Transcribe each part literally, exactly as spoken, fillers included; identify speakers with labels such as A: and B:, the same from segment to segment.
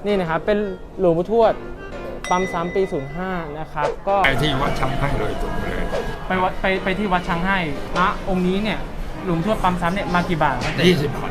A: นี่นะครับเป็นหลวงปู่ทวดปั๊มซ้ำปีศูนย์ห้านะครับก็
B: ไปที่วัดช้างให้เลยตรงเลย
A: ไปวัดไปไปที่วัดช้างให้พระองค์นี้เนี่ยหลวงทวดปั๊มซ้ำเนี่ยมากี่บาทครับ
B: ยี่สิบบาท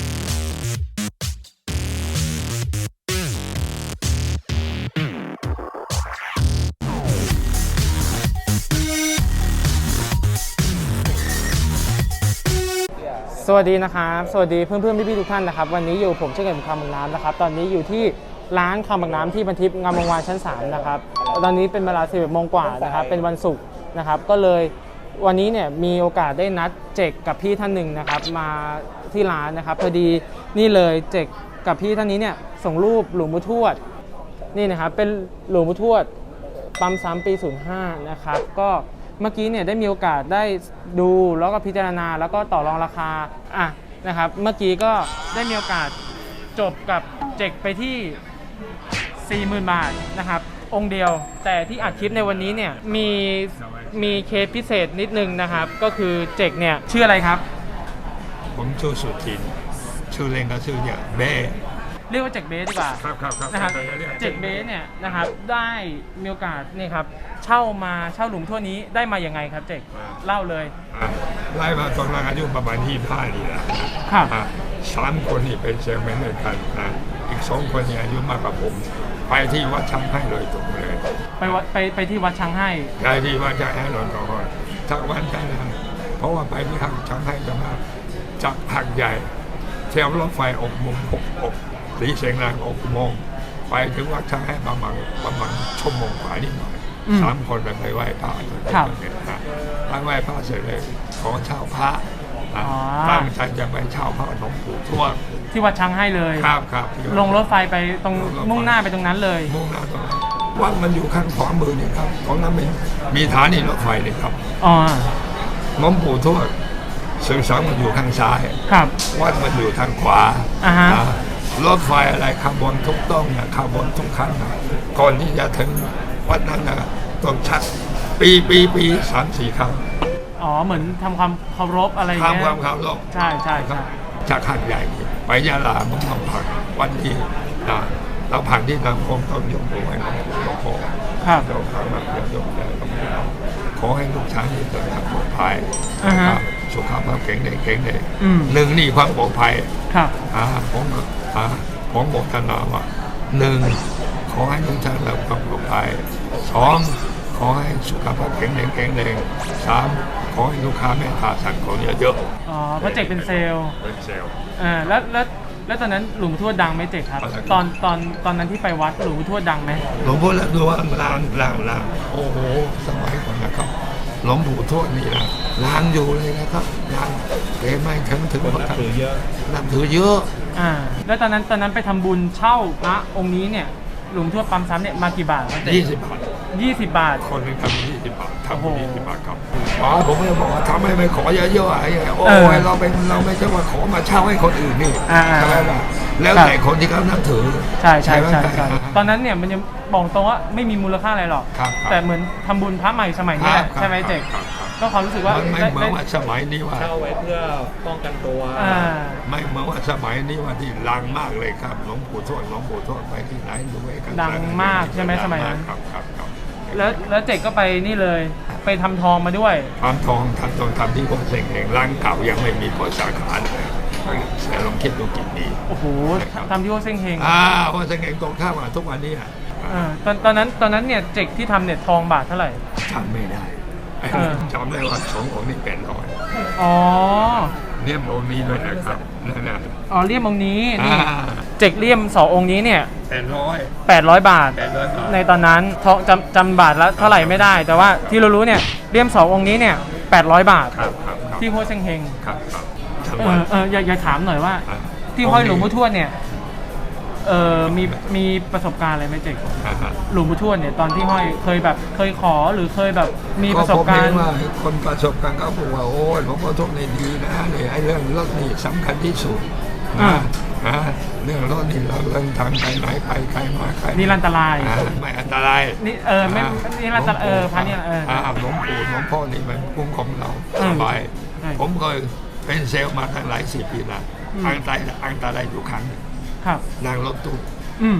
A: สวัสดีนะครับสวัสดีเพื่อนเพื่อนพี่พี่ทุกท่านนะครับวันนี้อยู่ผมเช่นกันคำบางน้ำนะครับตอนนี้อยู่ที่ร้านคำบางน้ำที่บันทิพย์งามวงวานชั้นสามนะครับตอนนี้เป็นเวลาสิบเอ็ดโมงกว่านะครับเป็นวันศุกร์นะครับก็เลยวันนี้เนี่ยมีโอกาสได้นัดเจกกับพี่ท่านหนึ่งนะครับมาที่ร้านนะครับพอดีนี่เลยเจกกับพี่ท่านนี้เนี่ยส่งรูปหลวงปู่ทวดนี่นะครับเป็นหลวงปู่ทวดปั๊มซ้ำปีศูนย์ห้านะครับก็เมื่อกี้เนี่ยได้มีโอกาสได้ดูแล้วก็พิจารณาแล้วก็ต่อรองราคาอ่ะนะครับเมื่อกี้ก็ได้มีโอกาสจบกับเจกไปที่ สี่หมื่น บาทนะครับองค์เดียวแต่ที่อัดคลิปในวันนี้เนี่ยมีมีเคสพิเศษนิดนึงนะครับก็คือเจกเนี่ยชื่ออะไรครับ
B: ผมชื่อสุทินชื่อเล่นก็ชื่อเนี่ยเบ้
A: เรียกว่าเจกเบสดีกว่า
B: ครับครับครับ
A: นะครับเจกเบสเนี่ยนะครับได้มีโอกาสนี่ครับเช่ามาเช่าหลุมทั่วนี้ได้มาอย่างไงครับเจกเล่าเลย
B: ไล่มาตอนนั้นอายุประมาณที่ห้านี่นะครับสามคนนี่เป็นเซลแมนด้วยกันนะอีกสองคนนี่อายุมากกว่าผมไปที่วัดช้างให้เลยตรงเลย
A: ไปวัดไปไปที่วัดช้างให้
B: ไปที่วัดช้างให้เลยก่อนจากวันจันทร์เพราะว่าไปที่ทางช้างให้จะมาจากหักใหญ่เที่ยวรถไฟอกมุมหกอกสีเสียงแรงอกโมงไปถึงวัดช้างให้ประมาณประมาณชั่วโมงกว่านิดหน่อยสามคนไปไหว้พระ
A: ครับ
B: ไปไหว้พระเสร็จเลยขอเช่าพระตั้งใจจะไปเช่าพระหลวงปู่ทวด
A: ที่วัดช้างให้เลย
B: ครับครับ
A: ลงรถไฟไปตรงมุ่งหน้าไปตรงนั้นเลย
B: มุ่งหน้าตรงนั้นวัดมันอยู่ข้างขวามือนี่ครับของนั้นเป็นมีฐานีรถไฟเลยครับ
A: อ๋อ
B: หลวงปู่ทวดสื่อสารมันอยู่ข้างซ้าย
A: ครับ
B: วัดมันอยู่ทางขวา
A: อ่าฮะ
B: รถไฟอะไรขบวนทุกต้องนะขบวนทุกคันนะก่อนที่จะถึงวัดนั้นนะต้องชักปีปีปีสามสี่ครั้ง
A: อ๋อเหมือนทำความเคารพอะไรเงี้ย
B: ทำความเคารพ
A: ใช่ใช่ครับ
B: จากหัดใหญ่ไปยะลามึงต้องผ่านวันที่นะเราผ่านที่นำคงต้องยกมือไหว้หลวงปู่หลวงพ่อ
A: ครับ
B: ยกขามาเดี๋ยวยกแต่หลวงปู่ขอให้ลูกชายเดินทางปลอดภัยสุขภาพแข็งแรงแข็งแรงหนึ่งนี่ความปลอดภัย
A: ครับ
B: อ่าผมอ่าผมบอกท่านว่าหนึ่งขอให้ลูกชายเราความปลอดภัยสองขอให้สุขภาพแข็งแรงแข็งแรงสามขอให้ลูกค้าแม่ค้าสั่งของเยอะ
A: ๆอ๋อเพราะเจกเป็นเซลล์
B: เป็นเซลล์
A: อ่าแล้วแล้วแล้วตอนนั้นหลวงปู่ทวดดังไหมเจกครับตอนตอนตอนนั้นที่ไปวัดหลวงปู่ทวดดังไหม
B: หลวงพ่อแล้วดูว่าลางลางลางโอ้โหสมัยก่อนนะครับหลวงปู่ทวดนี่นะลางอยู่เลยนะครับลางเกไม่ถึงถึงนับถือเยอะนับถือเยอะ
A: อ่าแล้วตอนนั้นตอนนั้นไปทำบุญเช่าพระองค์นี้เนี่ยหลวงทวดปั๊มซ้ำเนี่ยมากี่บาท
B: ยี่สิบบาท
A: ยี่สิบบาท
B: คนหนึ่งทำยี่สิบบาททำยี่สิบบาทครับอ๋อผมไม่บอกว่าทำให้ไม่ขอเยอะๆอะไรโอ้ยเราเป็นเราไม่ใช่ว่าขอมาเช่าให้คนอื่นนี่ใช่ไหมล่ะแล้วแต่คนที่เขานับถือ
A: ใช่ใช่ใช่ใช่ตอนนั้นเนี่ยมันยังบอกตรงว่าไม่มีมูลค่าอะไรหรอกแต่เหมือนทำบุญพระใหม่สมัยนี้ใช่ไหมเจกก็ความรู้สึกว่า
B: ไม่เหมือนว่าสมัยนี้ว่า
C: เช่าไว้เพื่อป้องกันตัว
B: ไม่เหมือนว่าสมัยนี้ว่าที่ดังมากเลยครับหลวงปู่ทวดหลวงปู่ทวดไปที่ไหนดูไว้กัน
A: ดังมากใช่ไหมสมัยนั้น
B: ครับครับครับ
A: แล้วแล้วเจกก็ไปนี่เลยไปทำทองมาด้วย
B: ทำทองทำทองทำที่วัดเซ็งเองร้านเก่ายังไม่มีเปิดสาขาเลยแต่ลองคิดดูกี่ปี
A: โอ้โหทำที่วัดเซ็งเฮง
B: อ่าวัดเซ็งเฮงตรงข้ามกับทุกวันนี้อ่ะ
A: ตอนตอนนั้นตอนนั้นเนี่ยเจกที่ทำเนี่ยทองบาทเท่าไหร่
B: จำไม่ได้จำได้ว่าสององค์นี้แปดร้อย
A: อ๋อ
B: เลี่ยมองค์นี้ด้วยนะครับนั่นน่ะ
A: อ๋อเลี่ยมองค์นี้นี่เจกเลี่ยมสององค์นี้เนี่ย
B: แปดร้อย
A: แปดร้อยบาทในตอนนั้นทองจำจำบาทละเท่าไหร่ไม่ได้แต่ว่าที่เรารู้เนี่ยเลี่ยมสององค์นี้เนี่ยแปดร้อยบาทที่ห้วยเซ็งเฮง
B: ครับครับ
A: เออเอออยากถามหน่อยว่าที่ห้อยหลวงปู่ทวดเนี่ยเออมีมีประสบการณ์อะไรไหมเจกหลวงปู่ทวดเนี่ยตอนที่ห้อยเคยแบบเคยขอหรือเคยแบบมีประสบการณ์
B: ว่าคนประสบการณ์เขาบอกว่าโอ้ยหลวงพ่อทวดนี่ดีนะเนี่ยไอ้เรื่องรถนี่สำคัญที่สุดนะนะเรื่องรถนี่เราเรื่องทางไปไหนไปใครมาใคร
A: นี่อันตราย
B: ไม่อันตราย
A: นี่เออไม่นี่อันตรายเออพันนี่เออ
B: หลวงปู่หลวงพ่อนี่มันคุ้มของเราสบายผมเคยเป็นเซลล์มาตั้งหลายสิบปีแล้วอันตรายอันตรายอยู่ครั้งนึงนั่งรถตู้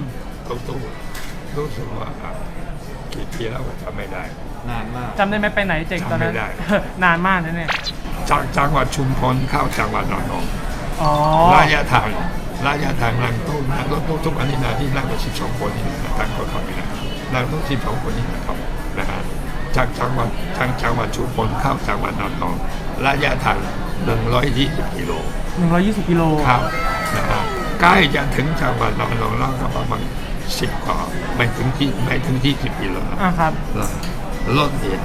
B: ตู้ตู้รู้สึกว่ากี่ปีแล้วก็จำไม่ได้
C: นานมาก
A: จำได้ไหมไปไหนเจ๋งตอนนั้น
B: จำไม่ได้
A: นานมากนะเนี่ย
B: จากจังหวัดชุมพรเข้าจังหวัดระนอง
A: อ๋อ
B: ระยะทางระยะทางนั่งตู้นั่งรถตู้ทุกอันนี้นะที่นั่งกันสิบสองคนนี่นะตั้งคนขับนี่นะนั่งรถสิบสองคนนี่นะครับนะฮะจากจังหวัดทางจังหวัดชุมพรเข้าจังหวัดระนองระยะทางหนึ่งร้อยยี่สิบกิโล
A: หนึ่งร้อยยี่สิบกิโล
B: ครับนะฮะใกล้จะถึงจังหวัดระนองแล้วก็ประมาณสิบกว่าไม่ถึงที่ไม่ถึงที่สิบกิโลนะ
A: อ่ะครับ
B: แล้วรถเนี่ย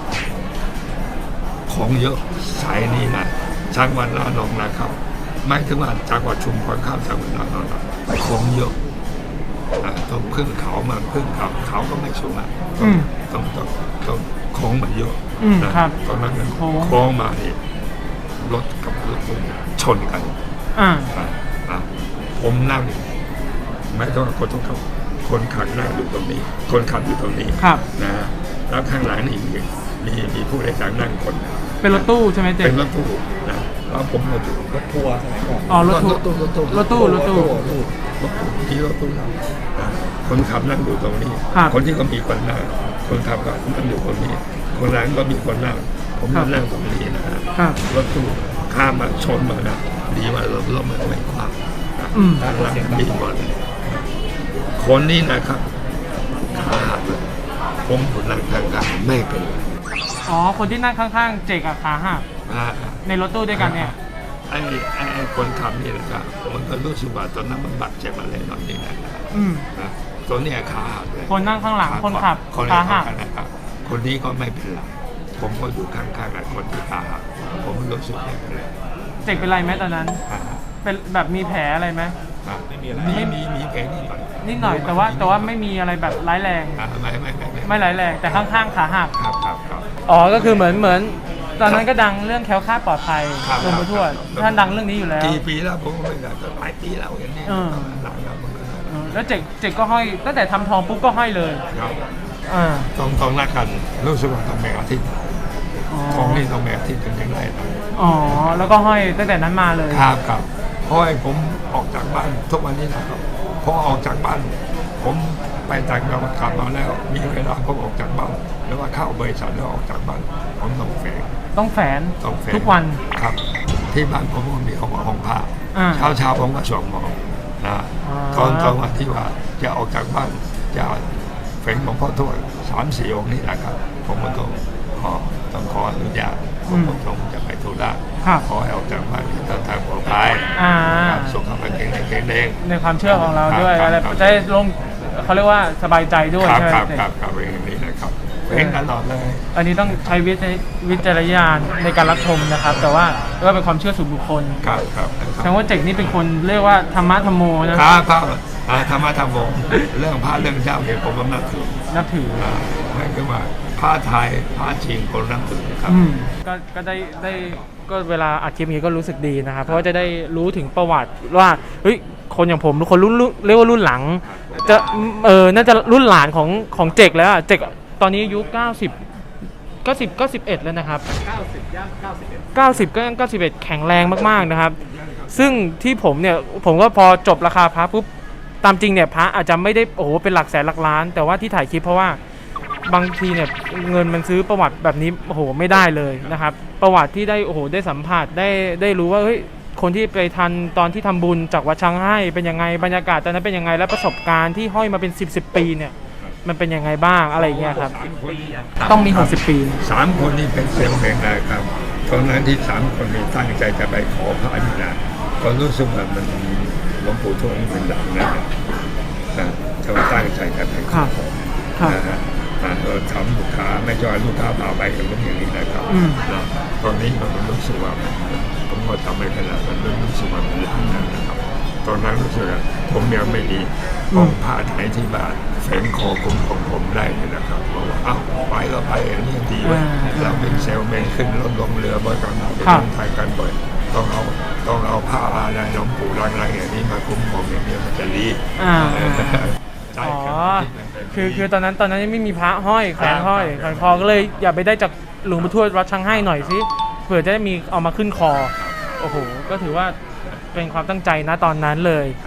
B: ของเยอะสายนี้นะจังหวัดระนองนะครับไม่ถึงว่าจังหวัดชุมพรเข้าจังหวัดระนองนะของเยอะอ่ะต้องขึ้นเขามาขึ้นเขาเขาก็ไม่สูงอ่ะ
A: อืม
B: ต้องต้องต้องของมันเยอะ
A: อืม
B: นะครับ ตอนนั้นมัน
A: โค้ง
B: โค้งมาเนี่ยรถกับรถตู้ชนกัน
A: อ่า
B: อ่ะอ่ะผมนั่งไม่ต้องคนต้องขับคนขับนั่งอยู่ตรงนี้ คนขับอยู่ตรงนี้
A: ครับ
B: นะฮะแล้วข้างหลังนี่มีมีมีผู้โดยสารนั่งคน
A: เป็นรถตู้ใช่ไหมเจ๋
B: เป็
A: ง
B: นรถตู้นะแล้วผมก็อยู่
C: รถทัวร์สมัยก่อน
A: อ๋อรถตู้
B: รถตู้รถตู้
A: รถตู้รถตู้
B: รถตู้รถตู้ที่รถตู้นะคนขับนั่งอยู่ตรงนี้
A: ครับ
B: คนที่ก็มีคนนั่งคนขับก็นั่งอยู่ตรงนี้ คนหลังก็มีคนนั่ง ผมก็นั่งตรงนี้นะฮะ
A: ครับ
B: รถตู้ข้ามมาชนมานะดีว่ารถรถมันไม่คว่ำนะ
A: อืม
B: ด้านหลังมีหมดคนนี้นะครับขาหักเลยผมอยู่นั่งทางกลางไม่เป็นไร
A: อ๋อ คนที่นั่งข้างๆ เจ๋งกับขาหัก
B: อ่า
A: ในรถตู้ด้วยกันเนี่ย
B: ไอ้ไอ้ไอ้คนขับนี่นะครับมันก็รู้สึกว่าตอนนั้นมันบาดเจ็บอะไรหน่อยนี่นะ
A: อืม
B: นะตัวเนี้ยขาหักเลย
A: คนนั่งข้างหลังคนขับ
B: คน
A: ขา
B: ขา
A: หั
B: หั
A: ก
B: กนะครับคนนี้ก็ไม่เป็นไรผมก็อยู่ข้างๆกับคนที่ขาหักผมรู้สึกไม่เป็นไร
A: เจ๋งเป็นไรไหมตอนนั้น
B: อ่า
A: เป็นแบบมีแผลอะไรไหม
B: อ่า
C: ไม่มีอะไร
B: มีมีมีแผลนิดหน่อย
A: นิดหน่อย แต่ว่าแต่ว่าไม่มีอะไรแบบร้ายแรง
B: อ่าไม่ไม่ไม่
A: ไม่ร้ายแรง แต่ข้างๆ ขาหัก
B: ครับครับครับ
A: อ๋อ ก็คือเหมือนเหมือน ตอนนั้นก็ดังเรื่องแคล้วคลาดปลอดภัย
B: ครับ
A: หลวงปู่ทวด
B: ครับ
A: ท่านดังเรื่องนี้อยู่แล้ว
B: กี่ปีแล้วผมก็ไม่ได้แต่หลายปีแล้วอย่างนี้
A: เออ
B: หลังแล้วมันก็
A: เออแล้วเจ๋งเจ๋งก็ห้อย ตั้งแต่ทำทองปุ๊บก็ห้อยเลย
B: ครับ
A: อ่า
B: ต้องต้องนักกันรู้สึกว่าต้องแบ่งอาทิตย์
A: อ๋อ
B: ของนี่ต้องแบ่งอาทิตย์ถึงจะได้นะ
A: อ๋อ แล้วก็ห้อยตั้งแต่นั้นมาเลย
B: ครับครับเพราะไอ้ผมออกจากบ้านทุกวันนี้นะครับพอออกจากบ้าน ผมไปต่างจังหวัดกลับมาแล้ว มีเวลาผมออกจากบ้านแล้วว่าเข้าบริษัทแล้วออกจากบ้านผมต้องแฝง
A: ต้องแฝน
B: ต้องแฝง
A: ทุกวัน
B: ครับ ที่บ้านผมก็มีห้องห้องผ้า
A: อ่า
B: เช้าเช้าผมก็สวมหมอนะ
A: อ๋อ
B: ตอนตอนวันที่ว่าจะออกจากบ้านจะแฝงหลวงพ่อทวดสามสี่องค์นี่นะครับผมก็ต้องขอต้องขออนุญาตผมก็ต้องจะไปธุระ
A: ครับ
B: ขอให้ออกจากบ้านเดินทางปลอดภัย
A: อ่า
B: ครับสุขภาพแข็งแรงแข็งแรง
A: ในความเชื่อของเราด้วย
B: ครับ
A: อะไร
B: ครับ
A: จะได้ลงเขาเรียกว่าสบายใจด้วย
B: ครับ
A: ใช่ไหม
B: ครับ
A: เจ๋ง
B: ครับครับอย่างนี้นะครับเพลงตลอดเลย
A: อันนี้ต้องใช้วิจวิจารณญาณในการรับชมนะครับ แต่ว่าก็เป็นความเชื่อส่วนบุคคล
B: ครับครับ
A: แสดงว่าเจ๋งนี่เป็นคนเรียกว่าธรรมะธรรมโมนะครับ
B: ครับอ่าธรรมะธรรมโมเรื่องพระเรื่องเจ้าเนี่ยผมก็นับถือ
A: นับถือ
B: อ่าไม่ใช่ว่าพระไทยพระจีนคนนับถือครับ
A: อืมก็ก็ได้ได้ก็เวลาอัดคลิปนี้ก็รู้สึกดีนะครับ เพราะว่าจะได้รู้ถึงประวัติว่าเฮ้ยคนอย่างผมคนรุ่นรุ่นเรียกว่ารุ่นหลัง จะเออน่าจะรุ่นหลานของของเจกแล้วอะเจกตอนนี้อายุเก้าสิบเก้าสิบเก้าสิบเอ็ดแล้วนะครับ
C: เก้าสิบย่างเก้าสิบเอ็ด
A: เก้าสิบก็ยังเก้าสิบเอ็ดแข็งแรงมากๆนะครับ ซึ่งที่ผมเนี่ยผมก็พอจบราคาพระปุ๊บตามจริงเนี่ยพระอาจจะไม่ได้โอ้โหเป็นหลักแสนหลักล้าน แต่ว่าที่ถ่ายคลิปเพราะว่าบางทีเนี่ยเงินมันซื้อประวัติแบบนี้โอ้โหไม่ได้เลยนะครับ ประวัติที่ได้โอ้โหได้สัมผัสได้ได้รู้ว่าเฮ้ยคนที่ไปทันตอนที่ทำบุญจากวัดช้างให้เป็นยังไงบรรยากาศตอนนั้นเป็นยังไงและประสบการณ์ที่ห้อยมาเป็นสิบสิบปีเนี่ยมันเป็นยังไงบ้างอะไรอย่างเงี้ยครับต้องมีหกสิบปี
B: สามคนนี้เป็นเซลล์แห่งนะครับตอนนั้นที่สามคนนี้ตั้งใจจะไปขอพระอนุญาตก็รู้สึกว่ามันหลวงปู่ทวดนี่มันดังนะนะจะตั้งใจจะไปข
A: ครั
B: อบ
A: ครับ
B: นะฮะอ่าเออทำลูกค้าไม่จอยลูกค้าพาไปกันอย่างนี้นะครับ
A: อืม
B: นะตอนนี้มันรู้สึกว่ามันผมก็ทำไม่ขนาดมันรู้สึกว่ามันดังนะครับตอนนั้นรู้สึกว่าผมยังไม่มีองค์พระไทยที่บ้านแฝงคอคุ้มของผมได้เลยนะครับบอกว่าอ้าวไปก็ไปอันนี้ดีเว้ย
A: อ่า
B: เราเป็นเซลล์แมนขึ้นรถลงเรือบ่อยกันไป
A: ครับ
B: ทางไทยกันบ่อยต้องเอาต้องเอาผ้าอะไรหลวงปู่รังๆอย่างนี้มาคุ้มผมอย่างนี้มันจะดี
A: อ่า
B: ใช่
A: อ๋อ
B: ครับ
A: คือคือตอนนั้นตอนนั้นยังไม่มีพระห้อยแขวนห้อยแขวนคอก็เลยอย่าไปได้จากหลวงปู่ทวดวัดช้างให้หน่อยสิเผื่อจะได้มีเอามาขึ้นคอโอ้โหก็ถือว่าเป็นความตั้งใจนะตอนนั้นเลย
B: ครับ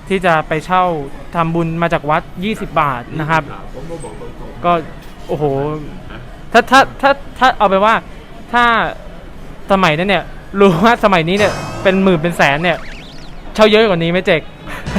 A: ที่จะไปเช่าทำบุญมาจากวัดยี่สิบบาทนะครับ
B: ผมก็บอกตรง
A: ก็โอ้โหถ้าถ้าถ้าถ้าเอาไปว่าถ้าสมัยนั้นเนี่ยรู้ว่าสมัยนี้เนี่ยเป็นหมื่นเป็นแสนเนี่ยเช่าเยอะกว่านี้ไหมเจก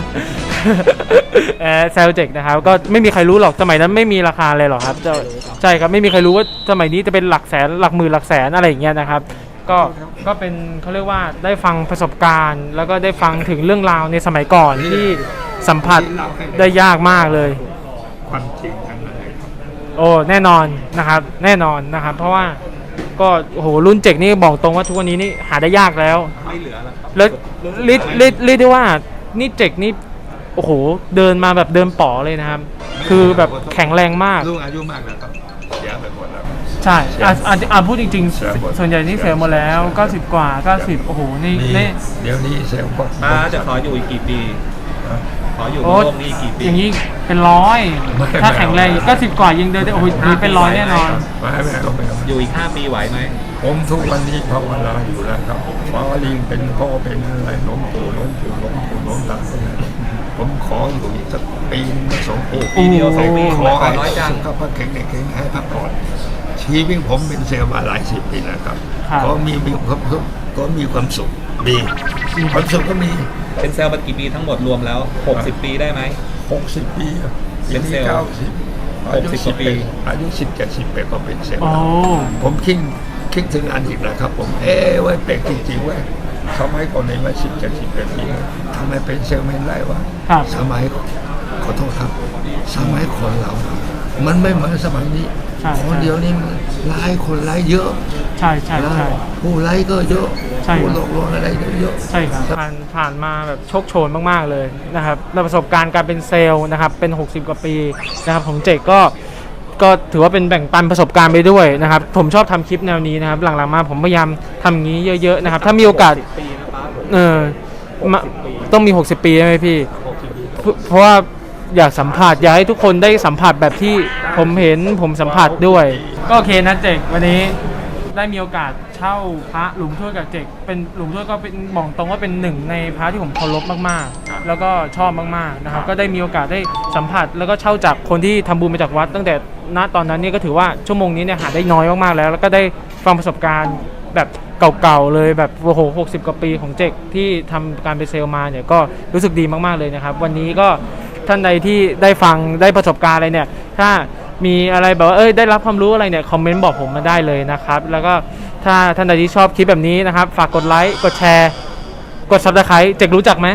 A: แอร์แซลเจกนะครับก็ไม่มีใครรู้หรอกสมัยนั้นไม่มีราคาเลยหรอกครับจะใช่ครับไม่มีใครรู้ว่าสมัยนี้จะเป็นหลักแสนหลักหมื่นหลักแสนอะไรอย่างเงี้ยนะครับก็ก็เป็นเขาเรียกว่าได้ฟังประสบการณ์ แล้วก็ได้ฟังถึงเรื่องราวในสมัยก่อนที่สัมผัสได้ยากมากเลย
B: ๆความจริงทั้งนั้นเลยครับ
A: โอ้แน่นอนนะครับแน่นอนนะครับ เพราะว่าก็โอ้โหรุ่นเจกนี่บอกตรงว่าทุกวันนี้นี่หาได้ยากแล้ว
C: ไม่เหลือแล้วครับ
A: แล้วเรียกเรียกเรียกได้ว่านี่เจกนี่โอ้โหเดินมาแบบเดินป๋อเลยนะครับ คือแบบแข็งแรงมาก
B: ลูกอายุมากนะครับเสียไปหมดแล้ว
A: ใช่อ่ะอ่ะอ่ะพูดจริง
B: เสียหมด
A: ๆ ส่วนใหญ่นี่เสียหมดแล้วเก้าสิบกว่าเก้าสิบโอ้โหนี่
B: นี่
A: นี่
B: เดี๋ยวนี้เซลล์ก็
C: ป้าจะขออยู่อีกกี่ปี ขออยู่บ
A: โอ้
C: นโลกนี้อีกกี่ปี
A: อย่างนี้เป็นร้อยถ้าแข็งแรงเก้าสิบกว่ายังเดินได้โอ้โหนี่เป็นร้อยแน่นอน
B: ไม่ไม่เอาไม่เอา
C: อยู่อีกห้าปีไหวไหม
B: ผมทุกวันนี้ภาวนาอยู่แล้วครับฟ้าลิงเป็นพ่อเป็นอะไรล้มปู่ล้มปู่ล้มปู่ล้มตาผมขออยู่อีกสักปีนึงสองปี
C: ปีเดียวสองปี
B: ข
C: ข
B: อ
C: อ
B: ให้
C: น้อยจัง
B: สุขภาพแข็งแรงแข็งให้พักผ่อนชีวิตผมเป็นเซลล์มาหลายสิบปีแล้วครับ
A: ครับ
B: ก็มีมีความสุขก็มีความสุขดีความสุขก็มี
C: เป็นเซลล์มากี่ปีทั้งหมดรวมแล้วหกสิบปีได้ไหม
B: หกสิบปีอะ
C: เป็นเซลล์
B: ก้าสิบอายุ
C: หกสิบ
B: สิบ
C: ปี
B: ปีอายุสิบเจ็ดสิบแปดก็เป็นเซลล์
A: โอ้
B: ผมคิดคิดถึงอดีตนะครับ ผมเอ้ไว้ยแปลกจริงๆเว้ยสมัยก่อนในวัยสิบเจ็ดสิบแปดปีทำไมเป็นเซลล์แมนได้วะ
A: ครับ
B: สมัยขอโทษครับ สมัยคนเรา มันไม่เหมือนสมัยนี้
A: ใช่
B: คนเดียวนี่มันไล่คนไล่เยอะ
A: ใช่ใช่ใช่
B: ผู้ไล่ก็เยอะ
A: ใช่
B: ผู้หลอกลวงอะไรก็เยอะ
A: ใช่ครับผ่านผ่านมาแบบโชคโชนมากๆเลยนะครับแล้วประสบการณ์การเป็นเซลล์นะครับเป็นหกสิบกว่าปีนะครับของเจกก็ก็ถือว่าเป็นแบ่งปันประสบการณ์ไปด้วยนะครับผมชอบทำคลิปแนวนี้นะครับหลังๆมาผมพยายามทำอย่างนี้เยอะๆนะครับถ้ามีโอกาส
C: ปีนะป้าผม
A: เออมาต้องมี หกสิบ ปีใช่ไหมพี่เพราะเพราะว่าอยากสัมผัสอยากให้ทุกคนได้สัมผัสแบบที่ผมเห็นผมสัมผัสด้วย ก็โอเคนะเจกวันนี้ได้มีโอกาสเช่าพระหลวงทวดกับเจกเป็นหลวงทวดก็เป็นบอกตรงว่าเป็นหนึ่งในพระที่ผมเคารพมากๆ แล้วก็ชอบมากๆนะครับก็ได้มีโอกาสได้สัมผัสแล้วก็เช่าจากคนที่ทำบุญมาจากวัด ตั้งแต่ณตอนนั้นเนี่ยก็ถือว่าชั่วโมงนี้เนี่ยหาได้น้อยมากๆแล้ว แล้วก็ได้ฟังประสบการณ์แบบเก่าๆเลยแบบโอ้โหหกสิบกว่าปีของเจกที่ทำการเป็นเซลล์มาเนี่ยก็รู้สึกดีมากๆเลยนะครับวันนี้ก็ท่านใดที่ได้ฟังได้ประสบการณ์อะไรเนี่ยถ้ามีอะไรแบบว่าเอ้ยได้รับความรู้อะไรเนี่ยคอมเมนต์บอกผมมาได้เลยนะครับแล้วก็ถ้าท่านใดที่ชอบคลิปแบบนี้นะครับฝากกดไลค์กดแชร์กด ซับสไครบ์ เจกรู้จักไหม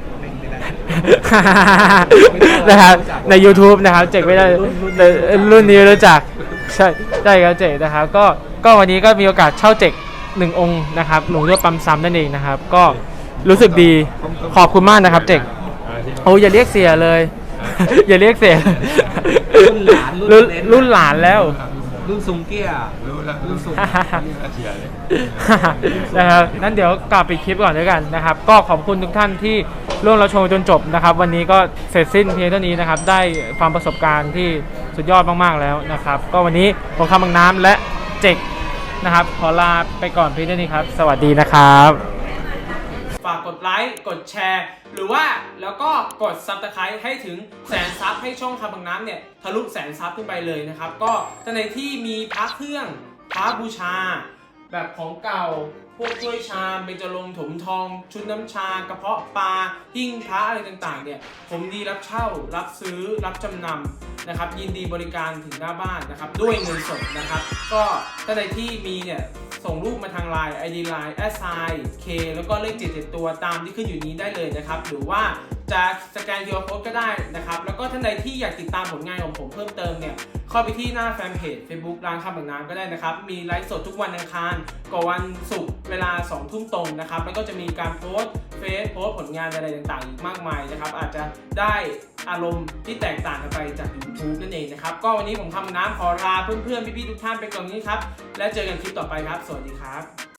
A: นะครับใน YouTube นะครับเจกไม่ได้แต่รุ่นนี้รู้จักใช่ใช่ครับเจกนะครับก็ก็วันนี้ก็มีโอกาสเช่าเจกหนึ่งองค์นะครับหลวงทวดปั๊มซ้ำนั่นเองนะครับก็รู้สึกดีขอบคุณมากนะครับเจกโอ้อย่าเรียกเสียเลย อย่าเรียกเสีย
C: รุ่นหลานรุ่
A: รุ่
C: น
A: น
C: เน้น
A: รุ่นหลานแล้ว
C: รุ่นซุงเกี้ย
B: รู้แล้ว
C: รุ่นสูง
B: เสียเลย
A: นะครับนั้นเดี๋ยวกลับไปคลิปก่อนด้วยกันนะครับก็ขอบคุณทุกท่านที่ร่วมรับชมจนจบนะครับวันนี้ก็เสร็จสิ้นเพียงเท่านี้นะครับได้ความประสบการณ์ที่สุดยอดมากๆแล้วนะครับก็วันนี้ผมคำบางน้ำและเจกนะครับขอลาไปก่อนเพียงเท่านี้ครับสวัสดีนะครับฝากกดไลค์กดแชร์หรือว่าแล้วก็กด ซับสไครบ์ ให้ถึงแสนซับให้ช่องคำบางน้ำเนี่ยทะลุแสนซับขึ้นไปเลยนะครับก็ท่านใดที่มีพระเครื่องพระบูชา แบบของเก่าพวกถ้วยชามเบญจรงค์ถมทอง ชุดน้ำชากระเพาะปลาหิ้งพระอะไรต่างๆเนี่ยผมดีรับเช่ารับซื้อรับจำนำนะครับยินดีบริการถึงหน้าบ้านนะครับด้วยเงินสดนะครับก็ท่านใดที่มีเนี่ยส่งรูปมาทาง ไลน์ ไอ ดี ไลน์ แอสไซน์ เค แล้วก็เลขเจ็ดเจ็ดตัวตามที่ขึ้นอยู่นี้ได้เลยนะครับหรือว่าจะสแกน คิว อาร์ Code ก็ได้นะครับแล้วก็ท่านใดที่อยากติดตามผลงานของผมเพิ่มเติมเนี่ยเข้าไปที่หน้าแฟนเพจ Facebook ร้านคำบางน้ำก็ได้นะครับมีไลฟ์สดทุกวันอังคารกับวันศุกร์เวลาสองทุ่มตรงนะครับแล้วก็จะมีการโพสต์เฟซโพสต์ผลงานอะไรต่างๆอีกมากมายนะครับอาจจะได้อารมณ์ที่แตกต่างกันไปจาก YouTube นั่นเองนะครับก็วันนี้ผมคำบางน้ำขอลาเพื่อนๆพี่ๆทุกท่านไปก่อนนี้ครับแล้วเจอกันคลิปต่อไปครับสวัสดีครับ